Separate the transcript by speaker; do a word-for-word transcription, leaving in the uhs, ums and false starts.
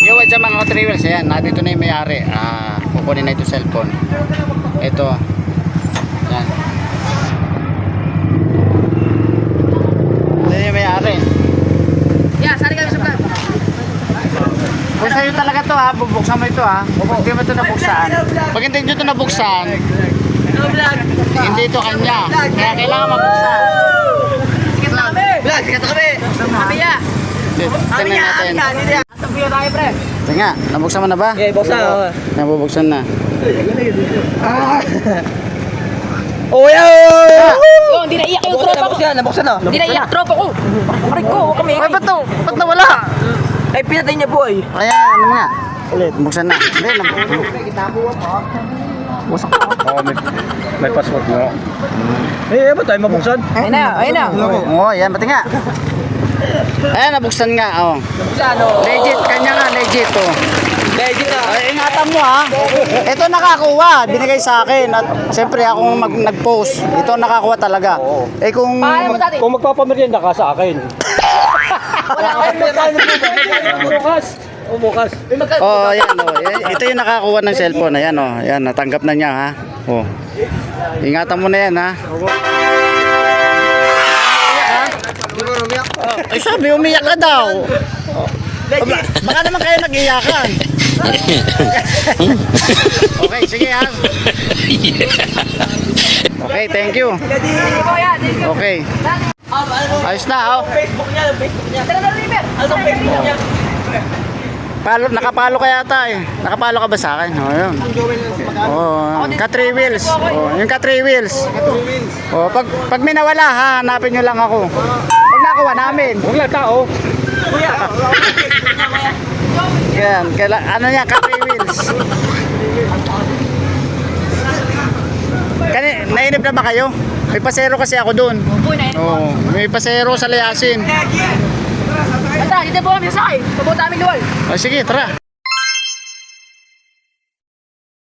Speaker 1: Yo, what's up mga ka-trailers? Ayan, nandito na yung may-ari. Ah, kukunin na ito cellphone. Ito. Ayan. Ito yung may-ari.
Speaker 2: Yeah, sari kami sa vlog.
Speaker 1: Kung sa'yo talaga to ha, bubuksan mo ito ha. Pag hindi mo ito nabuksan. Pag hindi nyo ito nabuksan, hindi ito kanya. Kaya kailangan mabuksan.
Speaker 2: Sikat na kami.
Speaker 3: Vlog, sikat na kami.
Speaker 2: Kami ya.
Speaker 1: Tingnan natin.
Speaker 2: Asa biyo tayo, pre?
Speaker 1: Tingnan, nabuksan mo na ba?
Speaker 3: Okay, buksan. Oo.
Speaker 1: Nabubuksan na.
Speaker 3: Oh, yeah!
Speaker 2: Yo, hindi naiyak yung
Speaker 3: Nabuksan,
Speaker 2: tropa ko.
Speaker 3: nabuksan, nabuksan na.
Speaker 2: Hindi naiyak tropa ko. Aray ko, huwag kami.
Speaker 1: Ay, ba't to? Ba't nawala?
Speaker 3: Ay, pinatay niya po eh.
Speaker 1: Kaya, ano nga? Ulit. Buksan na. Hindi, nabuksan.
Speaker 4: Oo, may, may password mo. Eh, ba tayo mabuksan?
Speaker 2: Ayun na, ayun na.
Speaker 1: Oo, yan, pati nga. Ayan, nabuksan nga, oh.
Speaker 3: Buksan, oh.
Speaker 1: Legit, kanya nga, legit, oh.
Speaker 3: Legit na.
Speaker 1: Ay, ingatan mo, ha. Ito nakakuha, binigay sa akin. At siyempre, akong mag nag-post. Ito nakakuha talaga. Eh, kung...
Speaker 2: Paano mo dati?
Speaker 4: Kung magpapamerienda ka sa akin.
Speaker 2: Wala ka.
Speaker 4: Bukas. O bukas.
Speaker 1: Oh, ayan, oh. Ito yung nakakuha ng cellphone. Ayan, oh. Ayan, natanggap na niya, ha. Oh. Ingatan mo na yan, ha. Ay, sabi, umiyak ka daw. Aba, baka naman kayo nag-iyakan. Okay, sige, ha. Okay, thank you. Okay. Ayos na, oh.
Speaker 3: Facebook niya, Facebook niya.
Speaker 2: Tara na, River.
Speaker 3: Ano ang Facebook niya?
Speaker 1: Palo, nakapalo ka yata eh. Nakapalo ka ba sa akin? Oh, yun. Oh, ka three wheels. Oh, yung ka three wheels. Oh, pag pag may nawala ha, hanapin niyo lang ako. Pag nakuha namin.
Speaker 4: Huwag lang tao.
Speaker 3: Kuya,
Speaker 1: Yan, kaila, ano niya, ka three wheels. Kani, nainip na ba kayo? May pasero kasi ako doon.
Speaker 2: Uy, na yun.
Speaker 1: Oh, may pasero sa Layasin.
Speaker 2: Ata, dito po kami sa sakay. Pabuta namin luwal.
Speaker 1: Oh, sige, tara.